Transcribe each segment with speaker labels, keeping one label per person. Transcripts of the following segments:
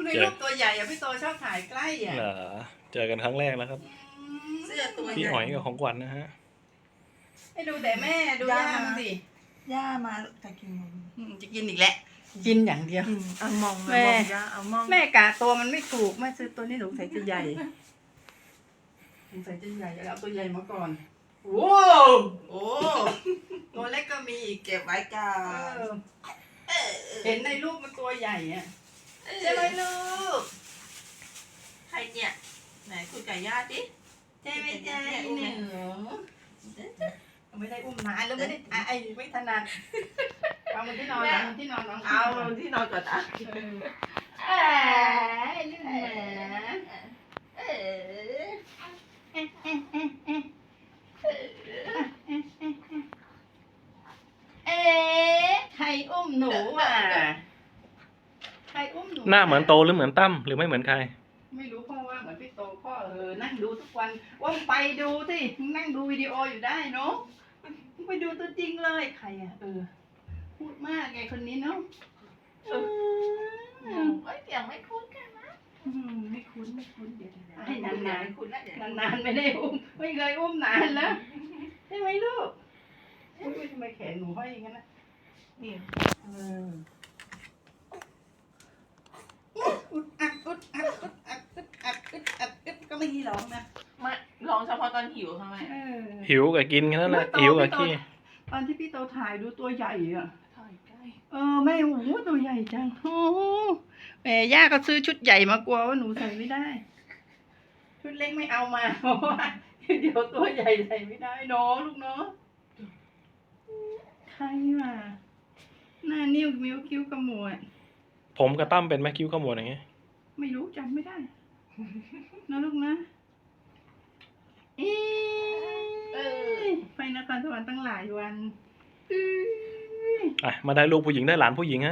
Speaker 1: มีรูปตัวใหญ่อะพี่โตชอบถ่ายใกล้อะ
Speaker 2: เหรอเจอกันครั้งแรกแล้วครับ
Speaker 3: เสื้อตัวใหญ่
Speaker 2: พี่อ๋อยกับของขวัญนะฮะ
Speaker 1: ให้ดูแต่แม่ดูย่ามันสิ
Speaker 3: ย่ามาจะกินนม
Speaker 1: จะกินอีกแล้วกินอย่างเดียว
Speaker 3: เอามอง
Speaker 1: แม่
Speaker 3: มองย่าเอามอง
Speaker 1: แม่กะตัวมันไม่ถูกแม่ซื้อตัวนี้หนูใส่จะใหญ่หนูใส่จะใหญ่แล้วเอาตัวใหญ่มาก่อนโอ้โหตัวเล็กก็มีอีก
Speaker 3: เก็บไว้ก่อ
Speaker 1: เอน อเห็นในรูปมันตัวใหญ่อะใช่ไหมลูก
Speaker 3: ใครเนี่ยไหนคุยกับย่าดิ
Speaker 1: ใช่ไหมจ๊ะอีหนูไม่ได้อุ้มนานแล้วไม่ได้ไอ้ไม่ถนัดเอามันที่นอนเอามันที่นอนน้อง
Speaker 3: เอาที่นอนก่อนอ่ะ
Speaker 1: เอ้ยลูกหมาเอ๊ะใครอุ้มหนูอ่ะใครอุ้มหนู
Speaker 2: หน้าเหมือนโตหรือเหมือนตั้มหรือไม่เหมือนใคร
Speaker 1: ไม่รู้พ่อว่าเหมือนพี่โตพ่อนั่งดูทุกวันว่าไปดูสินั่งดูวิดีโออยู่ได้เนาะไปดูตัวจริงเลยใครอ่ะพูดมากไงคนนี้เนาะ
Speaker 3: เอ้ยเสียงไม่คุ้นกันนะ
Speaker 1: ไม่คุ้นเดี๋ยวให้
Speaker 3: ให้
Speaker 1: นาน
Speaker 3: าน นๆคุ้นแล้วเดี๋ยว
Speaker 1: ๆนานๆไม่ได้อุ้มไม่เคยอุ้มนานแล้วใช่ไหมลูกอุ้ยทำไมแขนหนูห้อยอย่างนั้นนะ
Speaker 3: นี่
Speaker 1: อุดอัดก็ไม่ร้องนะ
Speaker 3: มาลองเฉพาะตอนหิวทำไม
Speaker 2: หิวกับกินแค่นั้นแหละหิวกับขี้
Speaker 1: ตอนที่พี่โตถ่ายดูตัวใหญ่อ่ะ
Speaker 3: ถอยใกล้
Speaker 1: แม่โอ้โหตัวใหญ่จังโอ้แม่ย่าก็ซื้อชุดใหญ่มากลัวว่าหนูใส่ไม่ได้ ชุดเล็กไม่เอามาเพราะว่าเดี๋ยวตัวใหญ่ใส่ไม่ได้เนาะลูกเนาะใครมาหน้านิ้วมิ้วคิ้วขมวด
Speaker 2: ผมกับตั้มเป็นไหมคิ้วขมวดอย่างเงี้ย
Speaker 1: ไม่รู้จำไม่ได้นะลูกนะเอ๊ะไปนครสวรรค์ตั้งหลายวัน
Speaker 2: อ่ะมาได้ลูกผู้หญิงได้หลานผู้หญิงฮะ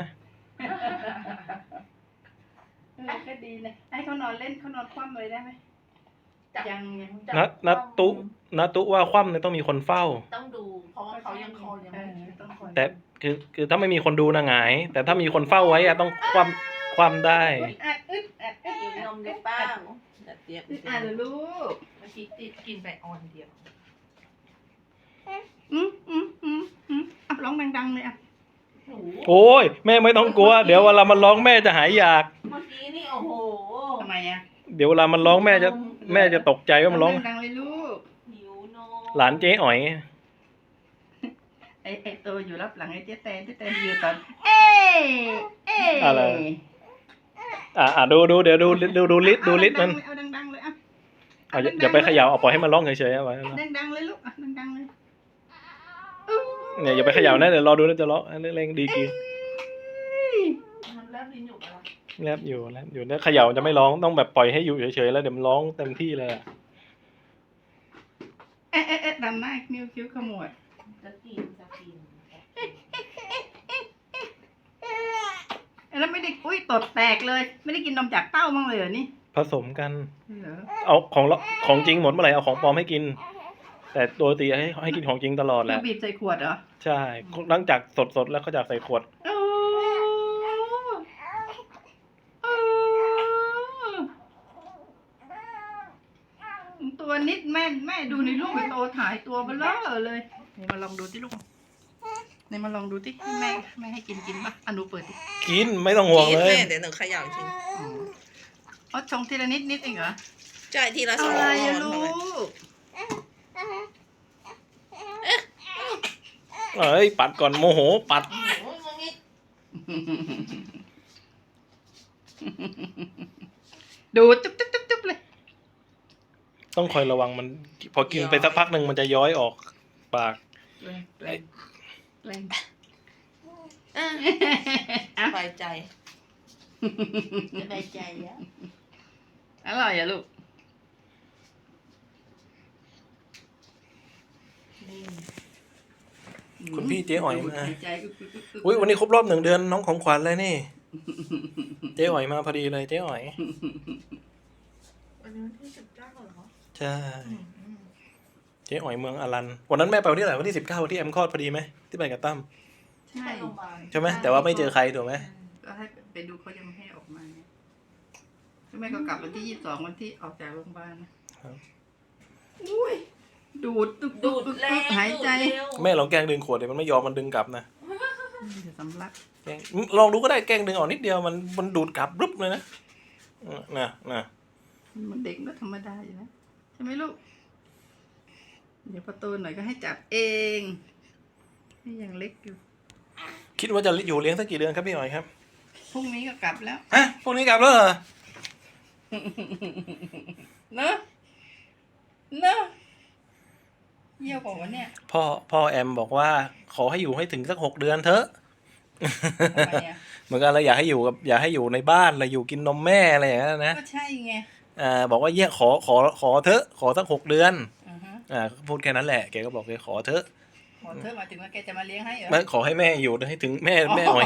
Speaker 1: ก็ดีนะให้เขานอนเล่นเขานอนคว่ำเลยได้ไหมยัง
Speaker 2: นัตุว่าคว่ำเนี่ยต้องมีคนเฝ้า
Speaker 3: ต้องดูเพราะว่าเขายังคอยังไม่
Speaker 1: ต้องคอย
Speaker 2: แต่คือถ้าไม่มีคนดูนะหงาย แต่ถ้ามีคนเฝ้าไว้อะต้องคว่ำได้
Speaker 1: อึด
Speaker 3: กินนมหรือเปล่าแต่เจี๊ยบ
Speaker 1: เหรอลูก
Speaker 3: เมื่อกี้ติดกินไปออนเดียว
Speaker 1: ร้องดังๆเลยอ่ะ
Speaker 3: หนู
Speaker 2: โอ้ยแม่ไม่ต้องกลัว เดี๋ยวเวลามันร้องแม่จะหายอยาก
Speaker 3: เมื่อกี้นี่โอ้โห
Speaker 1: ทำไมอ่ะ
Speaker 2: เดี๋ยวเวลามันร้องแม่จะตกใจว่ามันร้อง
Speaker 1: ดังๆเลยลูก
Speaker 3: หิวนม
Speaker 2: หลานเจ๊อ๋อย
Speaker 1: ไอ้ตัวอยู่รับหลังไอ้เจ๊แตนอยู่ตอนเอ๊ะ
Speaker 2: อะไร ดูเดี๋ยวดูลิสต์มัน
Speaker 1: เอาดังๆเลยอ่ะ
Speaker 2: อย่าไปเขย่าเอาปล่อยให้มันร้องเฉยๆเอาไว้
Speaker 1: ดังๆเลยลูกอ่ะดังๆเลย
Speaker 2: เนี่ยอย่าไปเขย่านะเดี๋ยวรอดูนะจะร้องเร่งดีกี
Speaker 3: มันเริ่มลิ้นอยู่แล้ว
Speaker 2: แลบอยู่เนี่ยเขย่าจะไม่ร้องต้องแบบปล่อยให้อยู่เฉยๆแล้วเดี๋ยวมันร้องเต็มที่เลยอะ
Speaker 1: เอ๊ะดำหน้านิ้วคิ้วขมวด
Speaker 3: จะกิน
Speaker 1: แล้วไม่ได้ตดแตกเลย ไม่ได้กินนมจากเต้าบ้างเลยเหรอนี่
Speaker 2: ผสมกัน
Speaker 1: เหรอ
Speaker 2: เอาของจริงหมดเมื่อไหร่เอาของปลอมให้กิน แต่โดยปกติให้กินของจริงตลอดแห
Speaker 1: คื
Speaker 2: ละ
Speaker 1: อบีบใส่ขวดเหรอ
Speaker 2: ใช่หลังจากสดแล้วเขาจากใส่ขวด
Speaker 1: ตัวนิดแม่ดูในรูปโตถ่ายตัวเบลอเลยนี่มาลองดูที่ลูกนี่มาลองดูที่แม่ให้กินป่ะอนุเปิดดิ
Speaker 2: กินไม่ต้องห่วงเลย
Speaker 3: เดี๋ยวหนูเขย่าจริง
Speaker 1: อ๋อชงทีละนิดเองเหรอ
Speaker 3: จ่ายทีละสอง
Speaker 1: อะไรอะลูก
Speaker 2: เอ้ยปัดก่อนโมโหปัด
Speaker 3: โอ้ยมึงนี่
Speaker 1: ดูจุ๊บเลย
Speaker 2: ต้องคอยระวังมัน พอกินไปสักพักหนึ่งมันจะย้อยออกปาก
Speaker 1: แรง
Speaker 3: สบายใจสบายใจแล้ว
Speaker 1: อร่อยอะลูก
Speaker 3: นี่
Speaker 2: คุณพี่เจ๊อ๋อยมา
Speaker 1: หายใจอึก
Speaker 2: อุ้ยวันนี้ครบรอบ1 เดือนน้องของขวัญเลยนี่ เจ๊อ๋อยมาพอดีเลยเจ๊อ๋อย
Speaker 3: วันนี้วันที่19เหรอ
Speaker 2: ใช่เจ๊อ๋อยเมืองอรันวันนั้นแม่ไปวันที่ไหนวันที่19วันที่แอมคลอดพอดีไหมที่ไปกับตั้ม
Speaker 1: ใช่
Speaker 3: ไปโรงพยาบาล
Speaker 2: ใช่ไหมแต่ว่าไม่เจอใครถูกไหม
Speaker 1: ก็ให้ไปดูเขายังไม่ให้ออกมาเนี่ยแม่ก็กลับวันที่22วันที่ออกจากโรงพยาบาลนะครับ อุ้ยดูดตึก
Speaker 3: ดูด
Speaker 1: ตึก
Speaker 3: แร
Speaker 1: ตึก
Speaker 3: ง
Speaker 1: หายใจ
Speaker 3: ดูดเร็ว
Speaker 2: แม่ลองแกล้งดึงขวดเดี๋ยวมันไม่ยอมมันดึงกลับนะ
Speaker 1: เดี๋ยวสำลัก
Speaker 2: แกล้งลองดูก็ได้แกล้งดึงออกนิดเดียวมันดูดกลับรึบเลยนะนะ
Speaker 1: มันเด็กก็ธรรมดาอยู่นะใช่ไหมลูก เดี๋ยวประตูหน่อยก็ให้จับเอง นี่ยังเล็กอยู่
Speaker 2: คิดว่าจะอยู่เลี้ยงสักกี่เดือนครับพี่หน่อยครับ
Speaker 1: พรุ่งนี้ก็กลับแล้ว
Speaker 2: ฮะพวกนี้กลับแล้วเหรอ
Speaker 1: เนอะเนอะเยี่ยวบอกว่าเนี่ย
Speaker 2: พ่อแอมบอกว่าขอให้อยู่ให้ถึงสัก6 เดือนเถอะ
Speaker 1: ทำไมอ่ะ
Speaker 2: เหมือนกันเราอยากให้อยู่ในบ้านเราอยู่กินนมแม่อะไรอย่างนั้นนะ
Speaker 1: ก็ใช่ไง
Speaker 2: บอกว่าขอเถอะขอสัก6 เดือน
Speaker 1: อือฮะ
Speaker 2: พูดแค่นั้นแหละแกก็บอกแกขอเถอะ
Speaker 1: ขอเธอมาถึงว่าแกจะมาเลี้ยงให้เหรอ
Speaker 2: ไม่ขอให้แม่อยู่ให้ถึงแม่อ่อย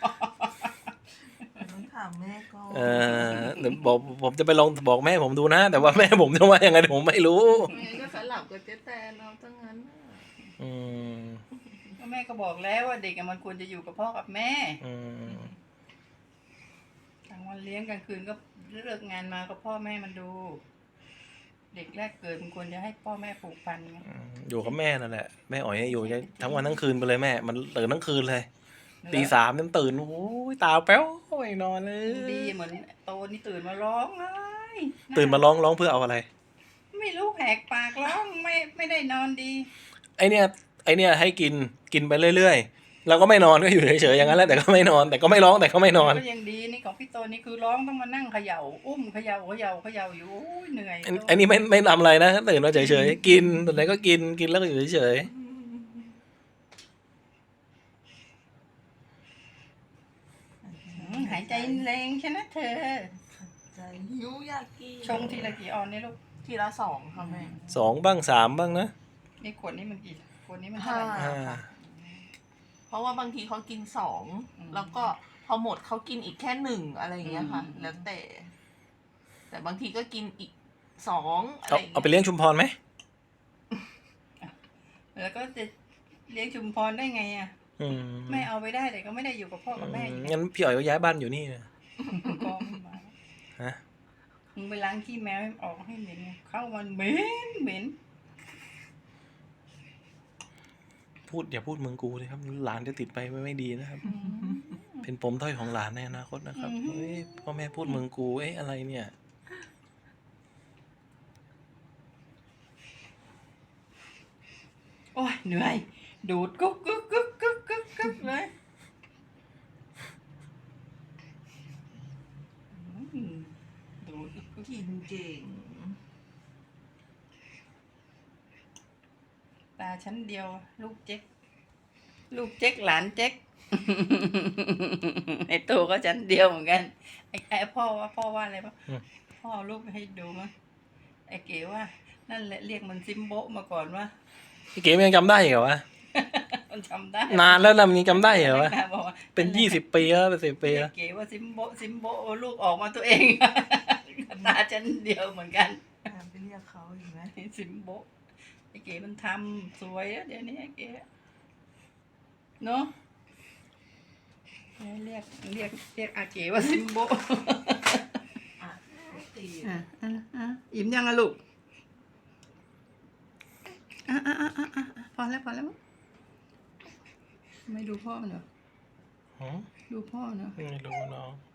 Speaker 3: ต้องถามแม่ก่อน
Speaker 2: เดี๋ยวบอกผมจะไปลองบอกแม่ผมดูนะ แต่ว่าแม่ผมจะว่ายังไงผมไม่รู้
Speaker 3: แม่ก็สลับกับเจ๊แตนเอาตั้งนั้นน่ะ
Speaker 2: อืม
Speaker 1: ก็แม่ก็บอกแล้วว่าเด็กอะมันควรจะอยู่กับพ่อกับแม่
Speaker 2: อืม
Speaker 1: กลางวันเลี้ยงกลางคืนก็เลิกงานมาก็พ่อแม่มันดู เด็กแรกเกิดมันควรจะให้พ่อแม่ปลูกฟันไง
Speaker 2: อยู่กับแม่นั่นแหละแม่อ่อยให้อยู่ทั้งวันทั้งคืนไปเลยแม่มันตื่นทั้งคืนเลย ตี 3เนี่ยตื่นโอ้ยตาแป๊วไม่นอนเลย
Speaker 1: ดีเหมือนโตนี่ตื่นมาร้องไห้
Speaker 2: ตื่นมาร้องเพื่อเอาอะไร
Speaker 1: ไม่รู้แหกปากร้องไม่ได้นอนดี
Speaker 2: ไอเนี่ยให้กินไปเรื่อยๆแล้วก็ไม่นอนก็อยู่เฉยๆอย่างนั้นแหละแต่ก็ไม่นอนแต่ก็ไม่ร้องแต่ก็ไม่นอน
Speaker 1: ก็ยังดีนี่ของพี่โตนี่คือร้องต้องมานั่งเขย่าอุ้มเขย่าอยู่โอ้ยเหนื่อย
Speaker 2: อันนี้ไม่ทำอะไรนะตื่นมาเฉยๆกินตอนไหนก็กินแล้วก็อยู่เฉย
Speaker 1: หายใจแรงใช่ไหมเธอ
Speaker 3: ใจหิวอยากกิน
Speaker 1: ชงทีละกี่ออนนี่ลูก
Speaker 3: ทีละ2ค่ะแม่
Speaker 2: ๆ2 บ้าง 3 บ้างนะ
Speaker 1: นี่ขวดนี้มันกี่ขวดนี้มันเท่าไหร่
Speaker 3: ห้า
Speaker 2: อ่า
Speaker 3: เพราะว่าบางทีเขากิน2แล้วก็พอหมดเขากินอีกแค่1อะไรอย่างเงี้ยค่ะ แล้วแต่บางทีก็กินอีก2อะไรอย่าง
Speaker 2: เอา
Speaker 3: เงี้ย
Speaker 2: ไปเลี้ยงชุมพรไหม
Speaker 1: แล้วก็จะเลี้ยงชุมพรได้ไงอ่ะ
Speaker 2: อืม
Speaker 1: ไม่เอาไปได้แต่ก็ไม่ได้อยู่กับพ่อกับแม่อยู่
Speaker 2: งั้นพี่อ๋อยก็ย้ายบ้านอยู่นี่นะ
Speaker 1: กองมันมา
Speaker 2: ฮะ
Speaker 1: มึงไปล้างขี้แมวให้ออกให้เหม็นไงเข้ามันเหม็น
Speaker 2: อย่าพูดเมืองกูเลยครับหลานจะติดไปไม่ดีนะครับ เป็นปมด้อยของหลานในอนาคตนะครับเฮ้ยพ่อแม่พูดเมืองกูอะไรเนี่ย
Speaker 1: โอ้ยเหนื่อยดูดกุ๊กเลยดูดกุ๊ก
Speaker 3: กินเก่ง
Speaker 1: ตาชั้นเดียว ลูกเจ๊กหลานเจ๊ก ไอโตก็ชั้นเดียวเหมือนกันไอพ่อว่าอะไรปะพ่อเอารูปให้ดูมั้ยไอเก๋ว่า นั่นแหละเรียกมันซิมโบะมาก่อนว่า
Speaker 2: พี่เก๋มันยังจำได้เหรอวะ
Speaker 1: มันจำได้
Speaker 2: นานแล้วนะมันยังจำได้เหรอวะ
Speaker 1: บอกว่า
Speaker 2: เป็น20 ปีแล้วเป็น10 ปีแล้ว
Speaker 1: เก๋ว่าซิมโบะลูกออกมาตัวเอง ตาชั้นเดียวเหมือนกัน
Speaker 3: ไปเรียกเขาอีกไหม
Speaker 1: ซิมโบะไอเก๋มันทำสวยอะเดี๋ยวนี้ไอเก๋เนาะเรียกอาเก๋ว่าซิมโบะ
Speaker 3: ตี
Speaker 1: อิ่มยังอะลูกพอแล้วมั้งไม่ดูพ่อมันเหรอ
Speaker 2: หือ
Speaker 1: ดูพ่อเนาะ
Speaker 2: ไม่รู้น้อง